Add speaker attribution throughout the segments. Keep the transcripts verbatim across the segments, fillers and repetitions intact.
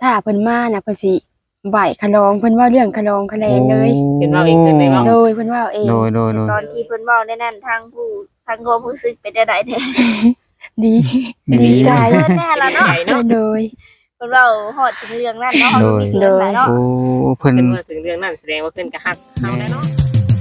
Speaker 1: ถ้าเพิ่นมาน่ะเพิ่นสิไหว้คะลองเพิ่นเว้าเรื่องคะลองคะแลงเลย
Speaker 2: เพิ่นเว้าเองเพิ่นได้เว้า
Speaker 1: โดยเพิ่นเว้าเอง
Speaker 3: โดยโดยโดย
Speaker 4: ตอนที่เพิ่นเว้าในนั้นทางผู้ทางความรู้สึกเป็นจังได๋แท้
Speaker 1: ดี
Speaker 3: ดี
Speaker 1: ดีใจ
Speaker 4: เพิ่นแน่ล่ะเนาะ
Speaker 1: โดยโดย
Speaker 4: เพิ่นเว้าฮอดถึงเรื่องนั้นเนาะเฮาก็มีเรื่องหลายเนาะ
Speaker 3: โอ้เพิ่น
Speaker 2: เพิ่นว่าถึงเรื่องนั้นแสดงว่าเพิ่นก็ฮักเฮาแล้วเนาะ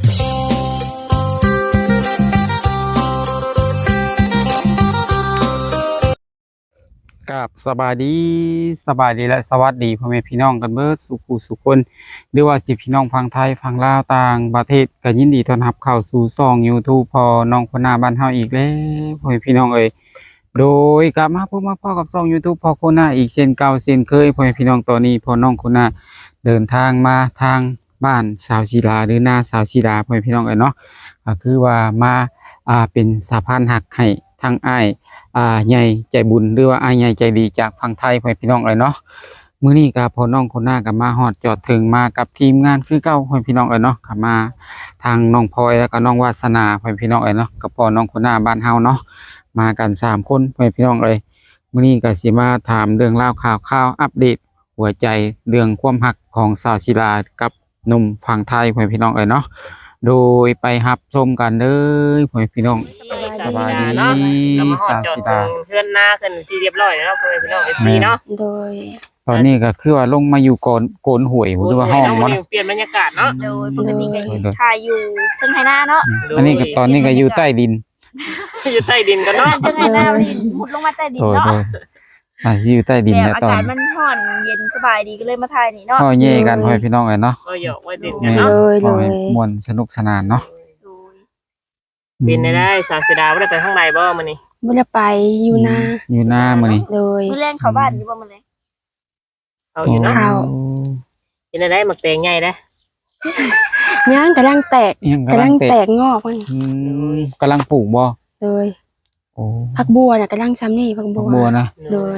Speaker 3: กับสบายดีสบายดีและสวัสดีพ่อแม่พี่น้องกันเบิดสุขุสุขคนหรือว่าสิพี่น้องฟังไทยฟังลาวต่างประเทศก็ยินดีต้อนรับเข้าสู่ช่อง YouTube พอน้องคนหน้าบ้านเฮาอีกแล้วพ่อแม่พี่น้องเอ้ยโดยกลับมาพบมาพ่อกับช่อง YouTube พอคนหน้าอีกเช่นเก่าเช่นเคยพ่อแม่พี่น้องตอนนี้พอน้องคนหน้าเดินทางมาทางบ้านสาวศิลาหรือหน้าสาวศิลาพ่อแม่พี่น้องเอ้ยเนาะก็คือว่ามาอ่าเป็นสะพานหักให้ทางอ้ายอ่าใหญ่ใจบุญหรือว่าอ้ายใหญ่ใจดีจากฝั่งไทยพ่อแม่พี่น้องเอ้ยเนาะมื้อนี้ก็พอน้องคนหน้าก็มาฮอดจอดถึงมากับทีมงานคือเก่าพ่อแม่พี่น้องเอ้ยเนาะก็มาทางน้องพลอยแล้วก็น้องวาสนาพ่อแม่พี่น้องเอ้ยเนาะกับพ่อน้องคนหน้าบ้านเฮาเนาะมากันสามคนพ่อแม่พี่น้องเอ้ยมื้อนี้ก็สิมาถามเรื่องราวข่าวข่าวอัปเดตหัวใจเรื่องความรักของสาวศิลากับหนุ่มฝั่งไทยพ่อแม่พี่น้องเอ้ยเนาะโดยไปรับชมกันเลยพ่อแม่พี่น้อง
Speaker 2: สบายดีเนาะเรามาฮอดจอดถึงเฮือนนาขึ้นที่เรียบร้อยแล้วเนาะพ่อแม่พี่น้อง เอฟ ซี เนาะ
Speaker 1: โดย
Speaker 3: ตอนนี้ก็คือว่าลงมาอยู่โกนโกนหวยหรือว่าห้อง
Speaker 2: เนาะ
Speaker 3: มัน
Speaker 2: เปลี่ยนบรรยากาศเนาะ
Speaker 4: โดยปกติก็อยู่ถ่ายอยู่เทิงไหหน้าเนาะ
Speaker 3: อันนี้ก็ตอนนี้ก็อยู่ใต้ดิน
Speaker 2: อยู่ใต้ดินกันเนาะ
Speaker 4: เทิงไหหน้าดินมุดลงมาใต้ดิน
Speaker 3: โดย
Speaker 4: เนาะ
Speaker 3: โดยอ่าสิอยู่ใต้ดิน
Speaker 4: แบ
Speaker 3: แล้
Speaker 4: บ
Speaker 3: ว
Speaker 4: อา
Speaker 3: ตอน
Speaker 4: กาศมันร้อนเย็นสบายดีก็เลยมาถ่ายนี่เนาะ
Speaker 3: พ่อเย่กันพ่อพี่น้องเลยเนาะ
Speaker 2: ก็หยอกไว้เด่น
Speaker 3: แม่
Speaker 2: กันเนาะ
Speaker 1: เลยเล
Speaker 3: พ่อย ม่วนสนุกสนานเนาะ
Speaker 4: โดย
Speaker 2: เป็นได้ได้สาวเสยดาวบ่ได้ไปข้างในบ่มื้อนี้
Speaker 1: บ่ได้ไปอยู่นา
Speaker 3: อยู่หน้ามื้อนี้
Speaker 1: โดย
Speaker 4: มื้อแรงเข้าบ้านอยู่บ่มื้อแรง
Speaker 2: เอาอยู่เนาะ
Speaker 1: ข้าว
Speaker 2: เป็นได้ได้หมักแตงใหญ่เด้
Speaker 1: ย่างกำลังแตก
Speaker 3: ยัง
Speaker 1: กำ
Speaker 3: กำลั
Speaker 1: ลั
Speaker 3: ง
Speaker 1: ง
Speaker 3: เตะ
Speaker 1: แตกงอกมัน
Speaker 3: อืมกำลังปลูกบ่
Speaker 1: โดย
Speaker 3: โอ้
Speaker 1: ผักบัวน่ะกำลังซ้ำนี่ผัก
Speaker 3: บั
Speaker 1: บั
Speaker 3: ก
Speaker 1: ว
Speaker 3: บัวนะ
Speaker 1: โดย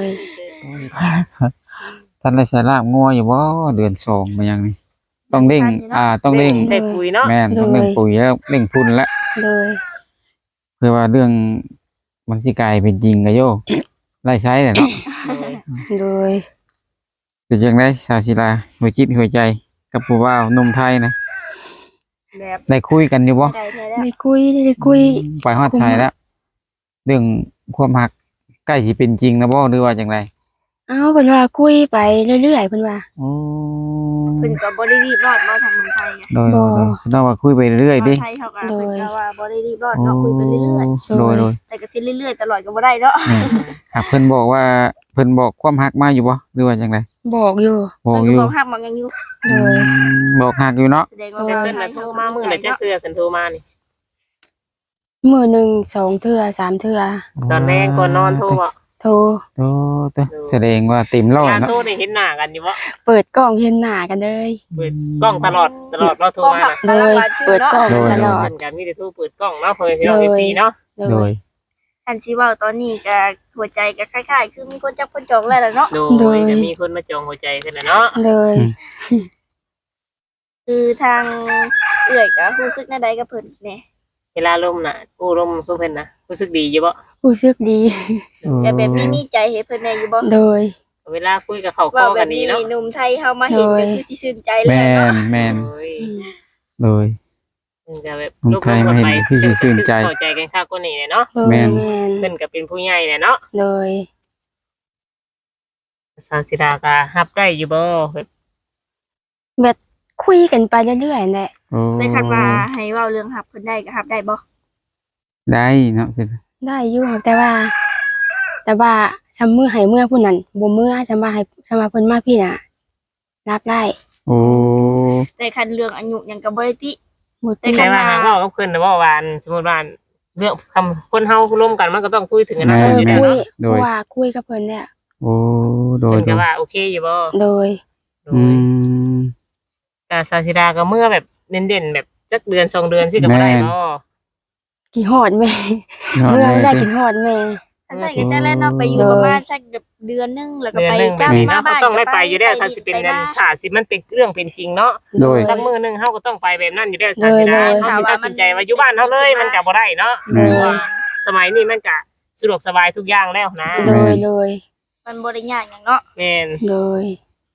Speaker 3: ท่านได้ใช้ลาบงัวอยู่บ่เดือนสองมายังนี่ต้องเร่งอ่าต้องเร่ง
Speaker 2: ได้ปุ๋ยเนาะ
Speaker 3: แม่นต้องเร่งปุ๋ยแล้วเร่งพุ่นแล้ว
Speaker 1: โดย
Speaker 3: เพื่อว่าเรื่องมันสิกลายเป็นจริงก็โยไล่ใช้แหละเนาะ
Speaker 1: โดย
Speaker 3: เป็นจังได๋สาวศิลาหัวจิตหัวใจกับผู้บ่าวหนุ่มไทยนะ
Speaker 4: แบบ
Speaker 3: ได้คุยกันอยู่บ่
Speaker 4: ได้แท้แล้ว
Speaker 1: ได้คุยได้คุย
Speaker 3: ไปฮอดชายแล้ว เรื่องความรักใกล้สิเป็นจริงนะบ่หรือว่าจังได
Speaker 1: เอ้าเพิ่นว่าคุยไปเรื่อยๆเพิ่นว่า
Speaker 3: โอ้
Speaker 4: เพิ่นก็บ่ได้รีบร้อนมาทางเมืองไทยไง
Speaker 3: โดยโดยโดยเราว่าคุยไปเรื่อยๆดิ
Speaker 4: ไทยเขาก็เพิ่นก็ว่าบ่ได้รีบร้อนเนาะคุยไปเรื่อย
Speaker 3: โดยโดย
Speaker 4: ๆแต่ก็สิเรื่อยๆตลอดก็บ่ได้เนาะ
Speaker 3: แม่หากเพิ่นบอกว่าเพิ่นบอกความรักมาอยู่บ่หรือว่าจังได
Speaker 1: บอกอยู่
Speaker 3: บอก
Speaker 4: เพิ่น
Speaker 3: อยู่
Speaker 4: ก็บอกฮักมันยังอยู่
Speaker 1: โดย
Speaker 3: อืมบอกฮักอยู่เนาะ
Speaker 4: แสดงว่า
Speaker 2: แต่
Speaker 4: ว่า
Speaker 2: เพิ่นน่ะโทรมามื้อน่ะจักเทื่อเพิ่นโทรมานี่
Speaker 1: มื้อหนึงสองเทื่อสามเทื่อ
Speaker 2: ตอนแรกก่อนนอนโทรบ่
Speaker 1: โทร
Speaker 3: โอ้เด้อแสดงว่าเต็มร้อย
Speaker 2: การ
Speaker 3: เนาะ
Speaker 2: โทรนี่เห็นหน้ากันอยู่บ่
Speaker 1: เปิดกล้องเห็นหน้ากันเลย
Speaker 2: เปิดกล้องตลอดตลอดเราโทรมาน่ะ
Speaker 1: โดยเปิดกล้องตลอด
Speaker 2: เพิ่นก็มีแต่โทรเปิดกล้องเนาะเพิ่นพี่น้อง เอฟ ซี เนาะ
Speaker 1: โด
Speaker 3: โด
Speaker 1: ย
Speaker 3: ย
Speaker 4: อันสิเว้าตอนนี้ก็หัวใจก็คล้ายๆ คือมีคนจับคนจองแล้วล่ะเนาะ
Speaker 2: โดยจะมีคนมาจองหัวใจขึ้นน่ะเนาะ
Speaker 1: โดย
Speaker 4: คือทางเอื้อยก็รู้สึกแนวใดกับเพิ่นแหน่
Speaker 2: เวลาลมน่ะกู้ลมเพิ่นน่ะรู้สึกดีอยู่บ่
Speaker 1: รู้สึกดี
Speaker 4: แต่แบบนี้มีใจให้เพิ่นแหน่อยู่บ่
Speaker 1: โดย
Speaker 2: เวลาคุยกับเขาค
Speaker 4: ว่า
Speaker 2: อ
Speaker 4: แบ
Speaker 2: กับ นดี
Speaker 4: นี้
Speaker 2: เนาะ
Speaker 4: หนุ่มไทยเฮามาเห็น
Speaker 1: โดย
Speaker 4: ก็คือสิชื่นใจเลย
Speaker 3: แม่
Speaker 4: เนาะ
Speaker 3: นแม่น
Speaker 2: โอ้ย
Speaker 3: โดย
Speaker 2: มันก็แบบ
Speaker 3: คนไทยมาเห็นคือสิชื่นใจ
Speaker 2: เข้าใจกันคักกว่านี้เนาะ
Speaker 1: โดย
Speaker 3: แม่น
Speaker 1: แม่น
Speaker 2: เพิ่นก็เป็นผู้ใหญ่แหละเนาะ
Speaker 1: โดย
Speaker 2: สาวศิลาก็รับได้อยู่บ่แบบ
Speaker 1: แบบคุยกันไปเรื่อยๆแหละ
Speaker 3: โอ้
Speaker 4: ได้คันว่าให้เว้าเรื่องฮับเพิ่นได้ก็ฮับได้บ่
Speaker 3: ได้เนาะสิ
Speaker 1: ได้อยู่ครับแต่ว่า แต่ว่าชำมือให้เมื่อผู้นั้นบ่เมื่อชำว่าให้ชำว่าเพิ่นมาพี่น่ะ รับได้
Speaker 3: โอ้
Speaker 4: แต่คันเรื่องอายุหยังก็บ่ได้ติ
Speaker 1: บ่
Speaker 4: แต่
Speaker 1: ติ
Speaker 4: คั
Speaker 2: แต่
Speaker 4: น
Speaker 2: ว่าหากว่ากับเพิ่นน่ะบ่ว่าอันสมมุติว่าเรื่องคำคนเฮาร่วมกันมันก็ต้องคุยถึงอนา
Speaker 1: เอ
Speaker 2: คต
Speaker 1: อ
Speaker 2: อยู่แล้ว
Speaker 1: คุย
Speaker 2: เนาะ
Speaker 1: เพราะว่าคุยกับเพิ่นเนี่ย
Speaker 3: โอ้โดย
Speaker 2: เพิ่น
Speaker 3: โด
Speaker 2: ก็
Speaker 3: ย
Speaker 2: ว่าโอเคอยู่บ่
Speaker 1: โดย
Speaker 2: โด
Speaker 3: อื
Speaker 2: ย
Speaker 3: ม
Speaker 2: แต่สาวศิลาก็เมื่อแบบเด่นๆแบบจักเดือนสองเดือนสิก็บ่ได้
Speaker 3: แม่น
Speaker 2: บ่
Speaker 1: กี่ฮอดแม่
Speaker 3: นอน
Speaker 1: เมื่อ
Speaker 3: เลย
Speaker 1: ได้
Speaker 3: ดิ
Speaker 1: กินฮอดแม่
Speaker 4: อันใส่ก็จะแล่นเนาะไปอยู่
Speaker 1: โดย
Speaker 4: ประมาณสักเดือนนึงแล้วก็
Speaker 2: เดือน
Speaker 4: ไป
Speaker 2: หนึง
Speaker 4: กลับ
Speaker 2: นี่
Speaker 4: มา
Speaker 2: เนาะ
Speaker 4: บ้าน
Speaker 2: ก็ต้องได้ไปอยู่แล้ว
Speaker 4: ก็
Speaker 2: ถ้าสิเป็น
Speaker 4: ไป
Speaker 2: นั่น
Speaker 4: บ้าน
Speaker 2: ถ้าสิมันเป็นเรื่องเป็นจริงเนาะ
Speaker 1: โดย
Speaker 2: สักมื้อหนึงเฮาก็ต้องไปแบบนั้นอยู่แล้วสาวศิลา
Speaker 1: เลย
Speaker 2: เฮาสิตัดสินใจว่าอยู่บ้านเฮาเลยมันก็บ่ได้เนาะ
Speaker 1: โดย
Speaker 2: เพราะว่าสมัยนี้มันก็สะดวกสบายทุกอย่างแล้วนะ
Speaker 1: โดยโดย
Speaker 4: มันบ่ได้ยากหยังเนาะ
Speaker 2: แม่น
Speaker 1: โดย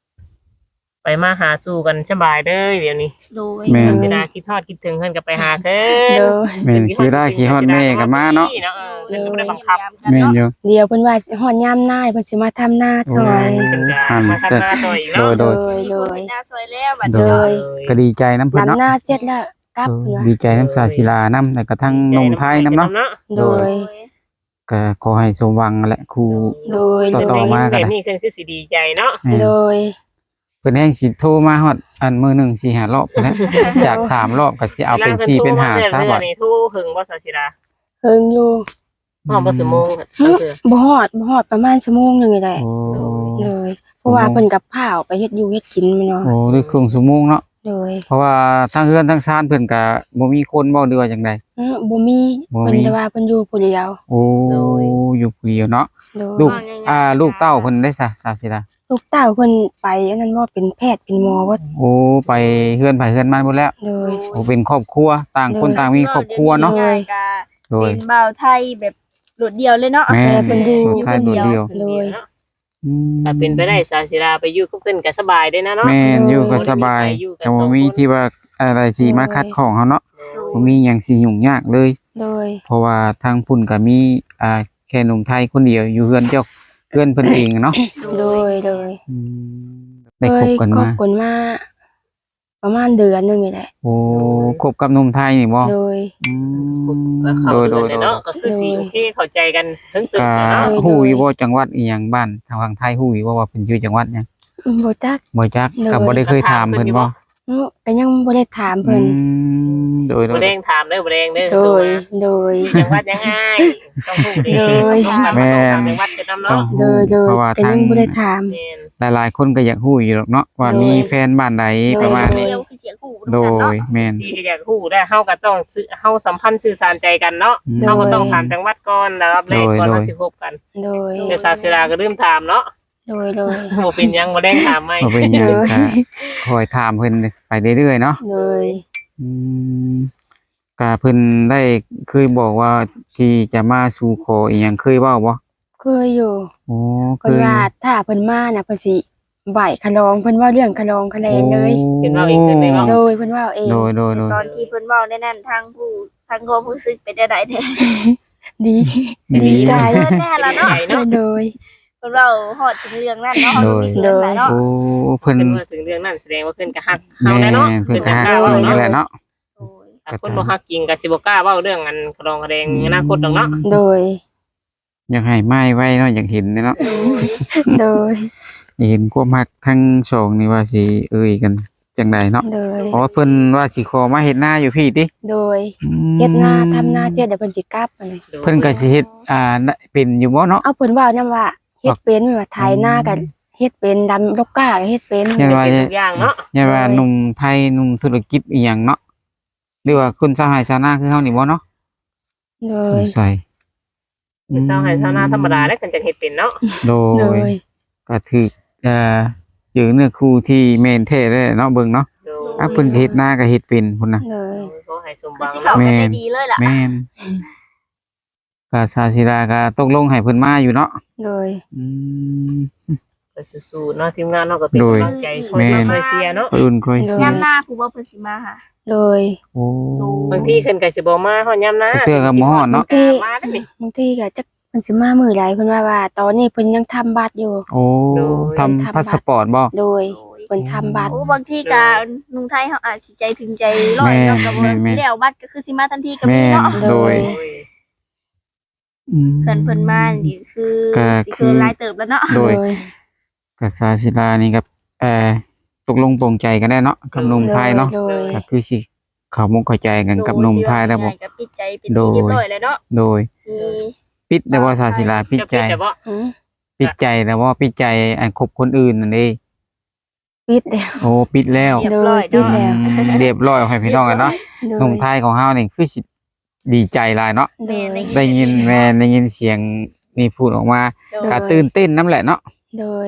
Speaker 2: ไปมาหาสู่กันสบายเด้อเดี๋ยวนี้
Speaker 4: โดย
Speaker 3: แม่น
Speaker 2: สิดาคิดทอดคิดถึงเพิ่นก็ไปหาเพิ่
Speaker 1: โด
Speaker 2: น
Speaker 1: ย
Speaker 3: แม่นคือได้ขี้ฮอดแม่ก็มาเนาะ
Speaker 2: เออเพิ่นก็บ่ได้บังคับ
Speaker 3: แม่นอยู่
Speaker 1: เดี๋ยวเพิ่นว่าสิฮอดยามหน้าเพิ่นสิมาทำหน้าซอย
Speaker 2: เพิ่นก็มาทำหน้าต่ออีก
Speaker 3: โด
Speaker 2: เนาะ
Speaker 3: ยโดย
Speaker 1: โดย
Speaker 4: มี
Speaker 1: โด
Speaker 4: คน
Speaker 1: ย
Speaker 4: เป็นหน้าซอยแล้วบัด
Speaker 3: โด
Speaker 4: นี้
Speaker 1: ย
Speaker 3: ก็ดีใจน้ำเพิ่น
Speaker 1: ลำ
Speaker 3: เนาะ
Speaker 1: หน้าเสร็จแล้วกลับ
Speaker 3: เออ
Speaker 1: เพิ่นว่า
Speaker 3: ดีใจน้ำสาศิลาน้ำแต่กระทั่งนมไทยน้ำเนาะ
Speaker 1: โดย
Speaker 3: ก็ขอให้สมหวังแหละครู
Speaker 1: โดย
Speaker 3: ต่อ
Speaker 1: โด
Speaker 3: ต่
Speaker 1: ย
Speaker 3: มากันนะ
Speaker 2: แบบนี้คือสิดีใจเนาะ
Speaker 3: แม่น
Speaker 1: โดย
Speaker 3: เพิ่นแห่งสิโทรมาฮอดอันมือหนึ่งสี่ห้ารอบไปแล้ว จากสามรอบก็สิเอาเป็นสี่เป็นห้าซะบ่
Speaker 2: นี่ทูหึงบ่สาชิดา
Speaker 1: เพิ่งอยู่
Speaker 2: ฮอดบ่ชั่วโมง
Speaker 1: หึบ่ฮอดบ่ฮอดประมาณชั่วโมงหนึงนี่แหละ
Speaker 3: โอ้
Speaker 1: เลยเพราะว่าเพิ่นกับข้าวไปเฮ็ดอยู่เฮ็ดกินแม่เนาะ
Speaker 3: โอ้ด้วยครึ่งชั่วโมงเนาะ
Speaker 1: โดย
Speaker 3: เพราะว่าทั้งเฮือนทั้งซานเพิ่นก็บ่มีคนบ่เดือจังได๋
Speaker 1: อือบ่มี
Speaker 3: บ่มี
Speaker 1: เพิ่นแต่ว่าเพิ่นอยู่ผู้เดียว
Speaker 3: โอ้อยู่ผู้เดียวเนาะ
Speaker 1: โดย
Speaker 3: ลูกอ่าลูกเต้าเพิ่นได้ซะสาวสิดา
Speaker 1: ลูกเต้าเพิ่นไปอันนั้นว่าเป็นแพทย์เป็นหมอว่า
Speaker 3: โอ้ไปเฮือนไผเฮือนมันหมดแล้ว
Speaker 1: โดย
Speaker 3: โอ้เป็นครอบครัวต่างคนต่างมีครอบครัวเนาะ
Speaker 4: ง่ายๆก็
Speaker 3: โดย
Speaker 4: เป็นบ่าวไทยแบบโดดเดียวเลยเนาะ
Speaker 3: แม่
Speaker 1: เพิ่นอยู่
Speaker 3: ลูกชายโดดเดียว อืม
Speaker 2: ถ้าเป็นไปได้สาชิดาไปอยู่กับเพิ่นก็สบายได้นะเนาะ
Speaker 3: แม่นอยู่ก็สบายก็บ่มีที่ว่าอะไรสิมาคัดของเฮาเนาะบ่มีหยังสิยุ่งยากเลย
Speaker 1: โดย
Speaker 3: เพราะว่าทางพุ่นก็มีอ่าแค่หนุ่มไทยคนเดียวอยู่เฮือนเจ้าเฮือนเพิ่นเองเนาะ
Speaker 1: โดยโดย
Speaker 3: อืมได้คบกัน
Speaker 1: คบ
Speaker 3: มา
Speaker 1: กันมาประมาณเดือนหนึงนี่แหละ
Speaker 3: โอ้คบกับหนุ่มไทยนี่บ่
Speaker 1: โดย
Speaker 3: อืม
Speaker 2: ก็เข้า
Speaker 3: โดยโด
Speaker 2: เดื
Speaker 3: ย
Speaker 2: อน
Speaker 3: โด
Speaker 2: เลย
Speaker 3: ย
Speaker 2: เนาะก็คือสิโอเคเข้าใจกันถึงตึก
Speaker 3: ก็
Speaker 2: เนาะ
Speaker 3: ฮู้อยู่บ่จังหวัดอีหยังบ้านทางฝั่งไทยฮู้อยู่บ่ว่าเพิ่นอยู่จังหวัดหยัง
Speaker 1: อืมบ่จัก
Speaker 3: บ่จัก
Speaker 1: โดย
Speaker 3: ก็บ่ได้เคยถามเพิ่นบ่
Speaker 1: อือก็ยังบ่ได้ถามเพิ่น
Speaker 3: อืมโดยโด
Speaker 2: บ่
Speaker 3: ย
Speaker 2: แดงถามเด้อบ่แดงเด้อ
Speaker 1: โดยโดย
Speaker 2: จังหวัดยังไงต้องฮู้ดิ
Speaker 1: โดย
Speaker 2: ต้องถามว่าจังหวัดจะนำ
Speaker 3: ต้อ
Speaker 2: เนาะ
Speaker 3: ง
Speaker 1: โด
Speaker 3: ฮู้
Speaker 1: ยโดย
Speaker 3: เพราะว่า
Speaker 1: ก็
Speaker 3: ทาง
Speaker 1: ยังบ่ได้ถาม
Speaker 2: แม่น
Speaker 3: หลายๆคนก็อยากฮู้อยู่หรอกเนาะว่า
Speaker 1: โดย
Speaker 3: มีแฟนบ้านใด
Speaker 1: โดย
Speaker 3: ประมาณ
Speaker 4: เดี
Speaker 3: นี้
Speaker 4: ยวคือเสียงหู
Speaker 3: โด
Speaker 4: กันเนาะ
Speaker 3: ยแม่น
Speaker 2: ที่ก็อยากฮู้ได้เฮาก็ต้องซื้อเฮาสัมพันธ์สื่อสารใจกันเนาะ
Speaker 3: อืม
Speaker 2: เฮาก็ต้องถามจังหวัดก่อนแล้วรับแรกก่อน
Speaker 3: โดย
Speaker 2: เฮาสิคบกัน
Speaker 1: โดย
Speaker 2: แต่สาชิดาก็ลืมถามเนาะ
Speaker 1: โดยโดย
Speaker 2: บ่เป็นหยังบ่แดงถามใหม่
Speaker 3: บ่เป็นหยัง
Speaker 1: โดย
Speaker 3: ก็คอยถามเพิ่นไปเรื่อยๆเนาะ
Speaker 1: โดย
Speaker 3: อืมก็เพิ่นได้เคยบอกว่าที่จะมาสู่ขออีหยังเคยเว้าบ่
Speaker 1: เคยอยู่
Speaker 3: โอ้เค
Speaker 1: เพิ่น
Speaker 3: ย
Speaker 1: ว่าถ้าเพิ่นมาน่ะเพิ่นสิไหวขะลองเพิ่นว่าเรื่องขะลองคะแนนเลย
Speaker 2: เป็นเว้าเองเพิ่นได้เว้า
Speaker 1: โดยเพิ่นว่าเอง
Speaker 3: โดยโดยโดย
Speaker 4: ตอนที่เพิ่นเว้าในนั้นทางผู้ทางความรู้สึกเป็นได้ไดแท้
Speaker 1: ดี
Speaker 3: ดี
Speaker 1: ใจ
Speaker 4: เพิ่นแน่ละเนาะ
Speaker 1: โดยโดย
Speaker 4: เพิ่นเว้าฮอดถึงเรื่องนั้นเนาะเฮาบ่มีเงินหลายเนาะ
Speaker 3: โอ้เพิ่น
Speaker 2: เพิ่นว่าถึงเรื่องนั้นแสดงว่าเพิ่นก็ฮักเฮา
Speaker 3: แม่
Speaker 2: แน่เนาะ
Speaker 3: เพิ่น
Speaker 2: เพิ่น
Speaker 3: ก็
Speaker 2: ก็
Speaker 3: ฮั
Speaker 2: ก
Speaker 3: ก
Speaker 2: ล้า
Speaker 3: จริ
Speaker 2: เว้าง
Speaker 3: นั่นแห
Speaker 2: เนาะ
Speaker 3: ละเนาะ
Speaker 4: โอ้ย
Speaker 2: ถ้าคนบ่ฮักจริงก็สิบ่กล้าเว้าเรื่องอันกระดองกระแดงอนาคตดอกเนาะ
Speaker 1: โดย
Speaker 3: อยากให้ไม้ไว้เนาะอยากเห็นเนาะ
Speaker 1: โดย
Speaker 3: อยากเห็นความฮักทั้งสองนี่ว่าสิเอ่ยกันจังไดเนาะ
Speaker 1: โดย
Speaker 3: เพราะว่าเพิ่นว่าสิขอมาเฮ็ดนาอยู่พี่ติ
Speaker 1: โดย
Speaker 3: อืม
Speaker 1: เฮ็ดนาทำนาเจ็ดเดี๋ยวเพิ่นสิกลับอันนี้
Speaker 3: เพิ่นก็สิเฮ็ดอ่าเป็นอยู่บ่เนาะ
Speaker 1: เอาเพิ่นเว้านำว่าเฮ็ดเป็นว่าไถนาก็เฮ็ดเป็นดำลกก้าก็เฮ็ดเป็น
Speaker 3: ยั
Speaker 2: เป็น
Speaker 3: ว่า
Speaker 2: ทุกอย่างเนาะ
Speaker 3: อย่าว่า
Speaker 1: โดย
Speaker 3: หนุ่มไทยหนุ่มธุรกิจอีหยังเนาะหรือว่าคนชาวไร่ชาวนาคือเฮานี่บ่เนาะ
Speaker 1: โด
Speaker 3: ส
Speaker 1: ย
Speaker 3: งสัย
Speaker 2: เป็นชาวไร่ชาวนาธรรมดาแล้วกันจะเฮ็ดเป็นเนาะ
Speaker 3: โด
Speaker 1: โด
Speaker 3: ย
Speaker 1: ย
Speaker 3: ก็ถือเอ่อเจอเนื้อคู่ที่แม่นแท้เลยเนาะเบิ่งเนาะ
Speaker 2: โด
Speaker 3: อ่ะเพิ่นก็เฮ็ดนาก็เฮ็ดเป็นพุ่นน่ะ
Speaker 1: โดย
Speaker 2: ขอให้สม
Speaker 4: คือ
Speaker 2: บัง
Speaker 4: สิเข้า
Speaker 2: เนาะ
Speaker 4: กันได้ดีเลยล่ะ
Speaker 3: แม่นก็ชาวศิลาก็ตกลงให้เพิ่นมาอยู่เนาะ
Speaker 1: โดย
Speaker 3: อืม
Speaker 2: ก็สู้ๆเนาะทีมงานเนาะก็เป็น
Speaker 3: โดย
Speaker 2: กำลังใจคอย
Speaker 3: แม่น
Speaker 2: มาคอยเชียร์เนาะ
Speaker 3: คอยอุ่นคอยเสีย
Speaker 4: ยามหน้าผู้ว่าเพิ่นสิมาหา
Speaker 1: โดย
Speaker 3: โอ้
Speaker 2: บางทีขึ้นก็สิบ่มาฮอดยามนะ
Speaker 3: เสื้อก็บ่ฮอดเนาะ
Speaker 2: มาได้นี่
Speaker 1: บางทีก็จักเพิ่นสิมามื้อใดเพิ่นว่าว่า ตอนนี้เพิ่นยังทำบัตรอยู่
Speaker 3: โอ้ทำพาสปอร์ตบ่
Speaker 1: โดยเพิ่นทำบัตร
Speaker 4: โอ้บางทีก็นุ่งไทยเฮาอาจสิใจถึงใจร้อยเนาะก็บ่แล้วบัดก็คือสิมาทันทีก็
Speaker 3: แม่
Speaker 4: มี
Speaker 3: น
Speaker 4: เนาะ
Speaker 3: โดย
Speaker 2: โอ้ย
Speaker 3: อืม
Speaker 4: เพิ่นเพิ่นมานี่คือ
Speaker 3: ก็
Speaker 4: สิ
Speaker 3: คื
Speaker 4: คือ อหลายเติบแล้วเนาะ
Speaker 3: โดย กับชาวศิลานี่กับเอ่อตกลงปลงใจกันได้เนาะกับหนุ่มไทยเนาะ
Speaker 1: โดย
Speaker 3: ก็คือสิเขามุกเข้าใจกันกับหนุ่มไทยแล้วบ่
Speaker 4: ก็ปิดใจเป็นที่เรียบร้อยแล้วเนาะ
Speaker 3: โดย
Speaker 4: มี
Speaker 3: ปิดแต่ว่าชาวศิลาปิด
Speaker 2: จะ
Speaker 3: ใจ
Speaker 2: เป็นแต่บ่
Speaker 1: อืม
Speaker 3: ปิดใจแต่ว่าปิดใจอันคบคนอื่นนั่นเอง
Speaker 1: ปิดแล้ว
Speaker 3: โอ้ปิดแล้ว
Speaker 4: เรียบร้อย
Speaker 1: ปิด
Speaker 4: เนาะ
Speaker 1: แล้ว
Speaker 3: อืมเรียบร้อยให้พี่น้องกันเนาะ
Speaker 1: โดย
Speaker 3: หนุ่มไทยของเฮานี่คือสิดีใจหลายเนาะ
Speaker 1: โดย
Speaker 3: ได้ยินแม่ได้ยินเสียงนี่พูดออกมา
Speaker 4: โดย
Speaker 3: ก็ตื่นเต้นน้ำแหละเนาะ
Speaker 1: โดย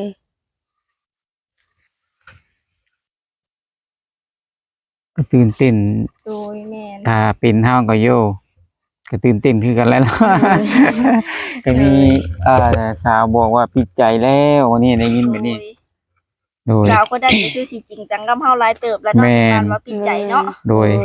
Speaker 3: ก็ตื่นเต้น
Speaker 4: โดยแม่น
Speaker 3: ถ้าเป็นเฮาก็โยก็ตื่นเต้นคือกันแล้วเนาะ ก็มีเอ่อสาวบอกว่าปิดใจแล้ววันนี้ได้ยินแบบนี้
Speaker 4: โดย
Speaker 3: โดย
Speaker 4: เราก็ได้ก็คือสิจริงจังกับเฮาหลายเติบแล้วเนาะ
Speaker 3: แม่น
Speaker 4: การว่าปิดใจเนาะ
Speaker 3: โดย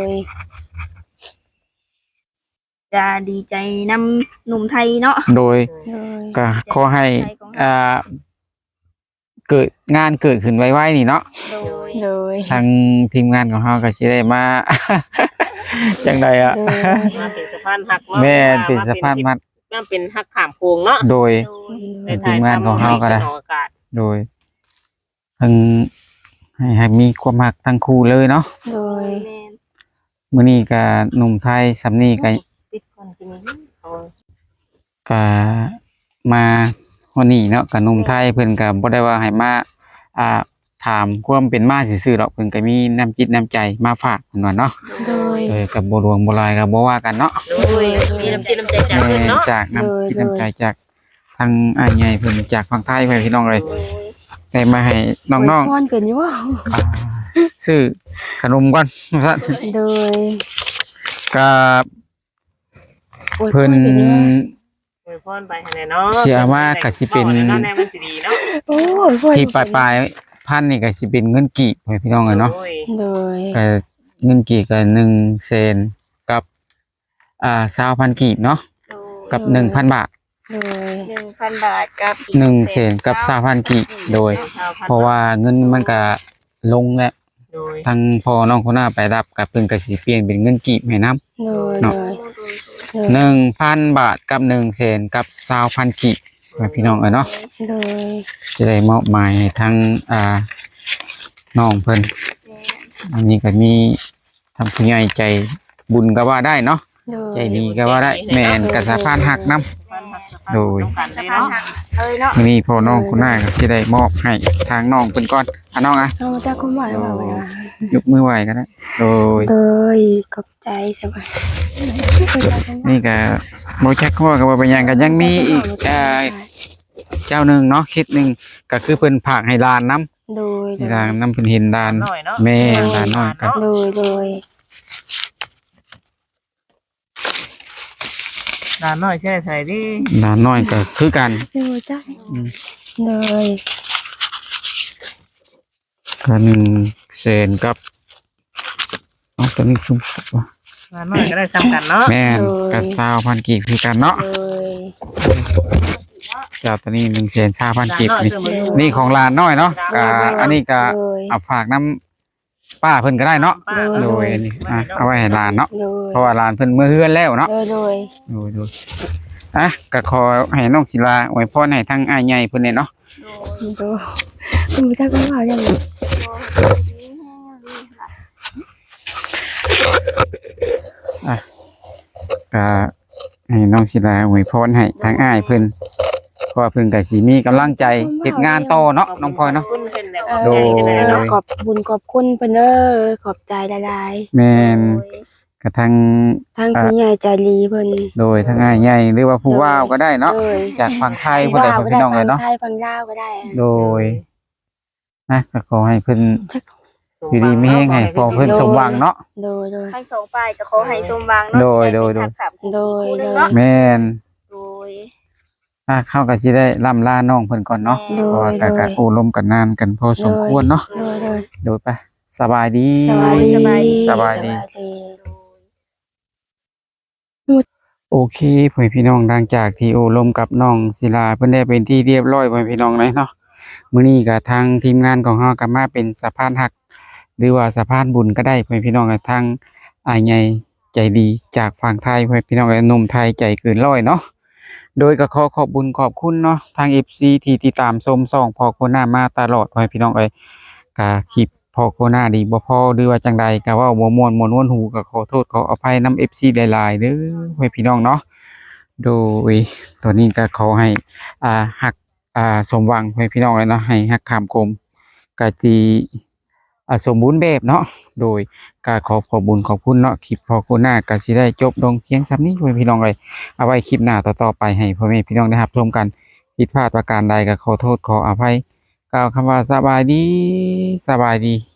Speaker 4: จะดีใจนำหนุ่มไทยเนาะ
Speaker 3: โดย
Speaker 1: โดย
Speaker 3: ก็ขอให้
Speaker 4: ใจของเรา
Speaker 3: อ่าเกิดงานเกิดขึ้นไวๆนี่เนาะ
Speaker 4: โดย
Speaker 1: โดย
Speaker 3: ทางทีมงานของเราก็สิได้มา จังใดอ่ะ
Speaker 1: โดย
Speaker 2: มาเป็นสะพานหักเนาะ
Speaker 3: แม่นเป็นสะพานมัด
Speaker 2: มาเป็นหักขามโค้งเนาะ
Speaker 3: โดย
Speaker 4: โดย
Speaker 2: ใน
Speaker 3: ทีมงานของเราก็ได้
Speaker 2: ออกอากาศ
Speaker 3: โดยทั้งให้ให้มีความรักทั้งคู่เลยเนาะ
Speaker 1: โดย
Speaker 4: แม่น
Speaker 3: มื้อนี้ก็หนุ่มไทยสำนี้ก็
Speaker 2: ติดคนที่นี่เอา
Speaker 3: ก็มาวันนี้เนาะกับหนุ่มไทยเพิ่นก็บ่ได้ว่าให้มาอ่าถามความเป็นมาซื่อๆหรอกเพิ่นก็มีน้ำจิตน้ำใจมาฝากเพิ่นว่าเนาะ
Speaker 1: โดย
Speaker 3: เออกับบ่หลวงบ่ลายก็บ่ว่ากันเนาะ
Speaker 2: โดยมีน้ำจิตน้ำใจจาก
Speaker 3: แม่
Speaker 2: เพิ่นเนาะ
Speaker 3: จากน้ำ
Speaker 1: โดย
Speaker 3: จิตน้ำใจจากทางอ้ายใหญ่เพิ่นจากฝั่งไทยเพิ่นพี่น้องเลย
Speaker 4: โดย
Speaker 3: ได้มาให้น้อง
Speaker 1: อวยพรเป็นอยู่บ่
Speaker 3: ๆอ่าซื้อขนมก่อนว่าซั่น
Speaker 1: โดย
Speaker 3: ก็
Speaker 1: อวยพร
Speaker 3: เพิ่น
Speaker 1: เป็นอยู่บ่
Speaker 2: อวยพรไปให้แน่เนาะ
Speaker 3: เชื่อว่าก็สิเป็น
Speaker 2: ว้าแน่ๆมันสิดีเนาะ
Speaker 1: โอ้ยพร
Speaker 3: ที่ปลายๆพันนี่ก็สิเป็นเงินกีบให้พี่น้องเลยเนาะ
Speaker 2: โดย
Speaker 1: โดย
Speaker 3: ก็เงินกีบก็หนึ่งเซนกับอ่าสามพันกีบเนาะ
Speaker 4: โดย
Speaker 3: กับหนึ่งพันบาท
Speaker 1: โดย
Speaker 4: หนึ่งพันบาทกับอีก
Speaker 3: หนึ่งเซนกับสามพันกีบโดย เพราะว่าเงินมันก็ลงแล้ว
Speaker 2: โดย
Speaker 3: ทางพอน้องคนหน้าไปรับกับเพิ่นก็สิเปลี่ยนเป็นเงินกีบให้นํ
Speaker 1: โดย
Speaker 3: เนาะ
Speaker 1: โดย
Speaker 4: โดย
Speaker 1: โดย
Speaker 3: หนึ่งพันบาทกับหนึ่งเซนกับสามพันกีบให้พี่น้องเอ้ยเนาะ
Speaker 1: โดย
Speaker 3: สิได้มอบหมายให้ทางอ่าน้องเพิ่น
Speaker 4: แม่น
Speaker 3: อันนี้ก็มีทางผู้ใหญ่ใจบุญก็ว่าได้เนาะ
Speaker 1: โดย
Speaker 3: ใจดีก็ว่าได้แม่นก็สะพานหักนํ โดย
Speaker 2: ต้องการ
Speaker 4: สะ
Speaker 2: ได้
Speaker 4: พาน
Speaker 2: เนาะ
Speaker 4: หักเลยเนาะ
Speaker 3: มื้อนี้พ่อน้องคนหน้าก็สิได้มอบให้ทางน้องเพิ่นก่อนอ่ะน้องอ่ะ
Speaker 1: เอาจากคุณหมอมาไว้ว่าย
Speaker 3: กมือไหวก็ได้โดย
Speaker 1: โดยขอบใจสบาย
Speaker 3: นี่ก็บ่จักข้อก็บ่เป็นหยังก็ยังมีอีกเอ่อเจ้าหนึงเนาะคิดหนึงก็คือเพิ่นฝากให้หลานนํ
Speaker 1: โดย
Speaker 3: ที่ทางนํเพิ่นเห็นหลาน
Speaker 2: หน่อยเนาะ
Speaker 3: แม่หลานน้อยก็
Speaker 1: โดยโดย
Speaker 2: ด้านน้อยแช่ไทยดิ
Speaker 3: หลานน้อยก็คือกัน
Speaker 1: โดยจ้า
Speaker 3: อืม
Speaker 1: โดย
Speaker 3: ก็หนึ่งเซนกับเอาตัวนี้คือว่า
Speaker 2: ด้านน้อยก็ได้ซ้ำกันเนาะ
Speaker 3: แม่นกับสาวพันกีบคือกันเนาะ
Speaker 1: โดย
Speaker 3: เจ้าตัวนี้หนึ่งเซนสาวพัน
Speaker 2: ด้าน
Speaker 3: กีบ
Speaker 2: น้อย
Speaker 3: นี่
Speaker 2: ซื้อมาดู
Speaker 3: นี่ของหลานน้อยเนาะก็อันนี้ก็
Speaker 1: โดย
Speaker 3: เอาฝากน้ำป้าเพิ่นก็ได้เนาะ
Speaker 2: ป้า
Speaker 3: โดยอันนี้อ่ะเอาไว้ให้หลานเนาะ
Speaker 1: โดย
Speaker 3: เพราะว่าหลานเพิ่นเมื่อเฮือนแล้วเนาะ
Speaker 1: โดยโดย
Speaker 3: โดยโดยอ่ะก็ขอให้น้องศิลาอวยพรให้ทั้งอ้ายใหญ่เพิ่นเนี่ยเนาะ
Speaker 1: โดยคุณผู้ชายก็ว่าอย่างนี้
Speaker 3: ก็ให้น้องศิลาอวยพรให้ทั้งอ้ายเพิ่นเพราะว่าเพิ่นก็สิมีกำลังใจเฮ็ดงานต่อเนาะน้องพลอยเนาะ
Speaker 2: ขบคุณเพิ่นแล้ว
Speaker 1: เอ
Speaker 2: ขอบใจกันเลย
Speaker 1: อ
Speaker 2: เนาะ
Speaker 1: ขอบบุญขอบคุณเพิ่นเด้อขอบใจหลาย
Speaker 3: แม่นกระทั่ง
Speaker 1: ๆทั้งผู้ใหญ่ใจดีเพิ่น
Speaker 3: โดยทั้งอ้ายใหญ่หรือว่าผู้ว่าวก็ได้เนาะ
Speaker 1: โดย
Speaker 3: จากฝั่งไทยผู้ใดฝั่งพี่น้องเลยเนาะ
Speaker 1: ไทยฝั่งลาวก็ได้
Speaker 3: โดยนะก็ขอให้เพิ่นอยู่ดีมีแฮงให้พอเพิ่นสมหวังเนาะ
Speaker 1: โดยโดย
Speaker 4: ทั้งสองฝ่ายก็ขอให้สมหวังเนาะ
Speaker 3: โดยโดยโดย
Speaker 4: ให้เป็นทักษะ
Speaker 1: โดย
Speaker 4: คู่ห
Speaker 1: โด
Speaker 4: นึ่ง
Speaker 1: ย
Speaker 4: เนาะ
Speaker 3: แม่น
Speaker 4: โดย
Speaker 3: ถ้าเข้าก็สิได้ล่ำลาน้องเพิ่นก่อนเนาะ
Speaker 1: โดย
Speaker 3: เพราะว่าก็ก็โอ้ลมกันนานกันพอสมควรเนาะ
Speaker 1: โดยโดย
Speaker 3: โดยไปสบายดี
Speaker 1: สบายดี
Speaker 3: สบายดี
Speaker 1: สบายดี
Speaker 3: โอเคพ่อแม่พี่น้องหลังจากที่โอ้ลมกับน้องศิลาเพิ่นได้เป็นที่เรียบร้อยพ่อแม่พี่น้องเลยเนาะมื้อนี้ก็ทางทีมงานของเฮาก็มาเป็นสะพานหัก หรือว่าสะพานบุญก็ได้พ่อแม่พี่น้องกับทางอ้ายใหญ่ใจดีจากฝั่งไทยพ่อแม่พี่น้องกับหนุ่มไทยใจเกินร้อยเนาะโดยก็ขอขอบบุญขอบคุณเนาะทาง เอฟ ซี ที่ติดตามชมส่องพอโคหน้ามาตลอดพ่อแม่พี่น้องเอ้ยก็คลิปพอโคหน้าดีบ่พอหรือว่าจังใดก็เว้าบ่ม่วนม่วนวนหูก็ขอโทษขออภัยนำ เอฟ ซี หลายๆเด้อพ่อแม่พี่น้องเนาะโดยตัวนี้ก็ขอให้อ่าฮักอ่าสมหวังพ่อแม่พี่น้องเลยเนาะให้ฮักคำคมก็สิอ่าสมบูรณ์แบบเนาะโดยก็ขอขอบคุญขอบคุณเนาะคลิปพอโคหน้าก็สิได้จบลงเพียงส่ำนี้พ่อแม่พี่น้องเลยเอาไว้คลิปหน้าต่อๆไปให้พ่อแม่พี่น้องได้รับชมกันผิดพลาดประการใดก็ขอโทษขออภัยกล่าวคำว่าสบายดีสบายดี